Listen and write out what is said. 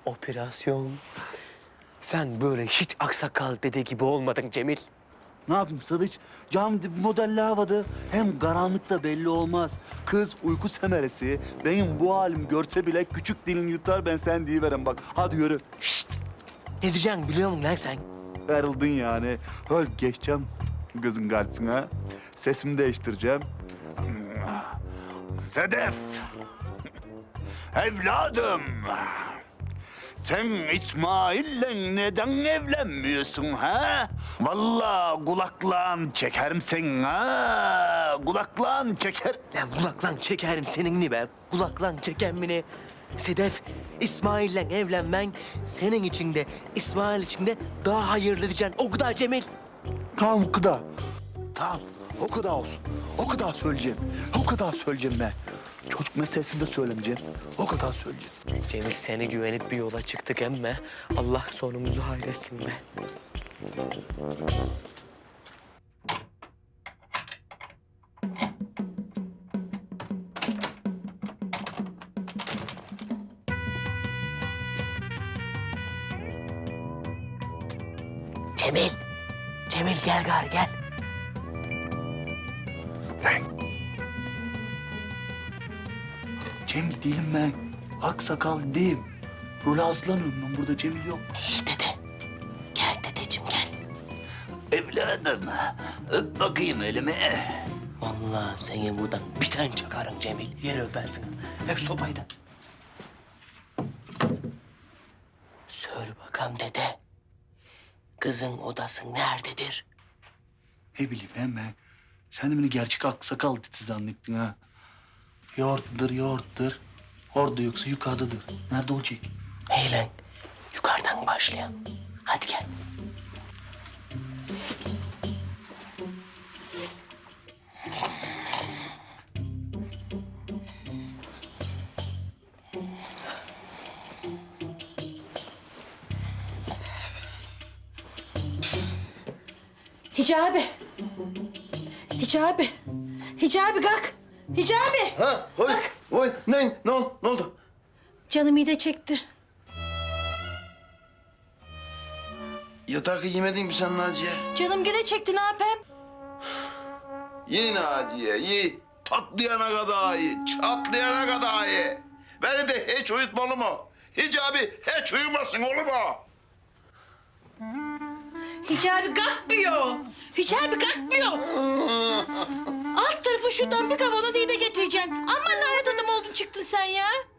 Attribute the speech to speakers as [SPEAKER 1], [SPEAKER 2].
[SPEAKER 1] Operasyon. Sen böyle hiç aksakal dede gibi olmadın Cemil.
[SPEAKER 2] Ne yapayım Sadıç? Cam dibi modelli havada. Hem karanlıkta belli olmaz. Kız uyku semeresi. Benim bu halim görse bile küçük dilini yutar, ben sen deyiverem bak. Hadi yürü.
[SPEAKER 1] Şşt! Ne diyeceksin biliyor musun lan sen?
[SPEAKER 2] Ayrıldın yani. Öl geçeceğim kızın karşısına. Sesimi değiştireceğim. Sedef! Evladım! Sen İsmail'le neden evlenmiyorsun ha? Vallahi kulaklan çekerim sen ha. Kulaklan çeker.
[SPEAKER 1] Lan kulaklan çekerim seninni be. Kulaklan çekemini. Sedef, İsmail'le evlenmen senin için de İsmail için de daha hayırlı diyeceksin. O kadar Cemil.
[SPEAKER 2] Tamam o kadar. Tamam o kadar olsun. O kadar söyleyeceğim. O kadar söyleyeceğim ben. Çocuk meselesini de söylemeyeceğim. O kadar söyleyeceğim.
[SPEAKER 1] Cemil seni güvenip bir yola çıktık emme. Allah sonumuzu hayretsin be. Cemil. Cemil gel gari gel.
[SPEAKER 2] Cemil değilim ben. Hak sakal değilim. Rol hazırlanıyorum ben. Burada Cemil yok.
[SPEAKER 1] İyi dede. Gel dedeciğim gel.
[SPEAKER 2] Evladım, öp bakayım elimi.
[SPEAKER 1] Vallahi seni buradan bir tane çakarım Cemil. Yere öpersin. Ver şu sopayı da. Söyle bakalım dede. Kızın odası nerededir?
[SPEAKER 2] Ne bileyim ben. Sen de beni gerçek hak sakal dedi zannettin ha. Yoğurttur, yoğurttur. Orada yoksa yukarıdadır. Nerede olacak?
[SPEAKER 1] Hey lan, yukarıdan başlayalım. Hadi gel.
[SPEAKER 3] Hicabi. Hicabi. Hicabi kalk. Hicabi.
[SPEAKER 4] Ha, oy, ne oldu?
[SPEAKER 3] Canım mide çekti.
[SPEAKER 4] Yatakı yemedin mi sen Naciye?
[SPEAKER 3] Canım gene çekti ne yapayım?
[SPEAKER 4] Ye Naciye, ye. Patlayana kadar ye, çatlayana kadar ye. Beni de hiç uyutmalı mı? Hicabi hiç uyumasın olur mu?
[SPEAKER 3] Hicabi kalkmıyor. Hicabi kalkmıyor. Alt tarafı şuradan bir kavanoz iyi de getireceksin. Aman lanet adam oldun çıktın sen ya.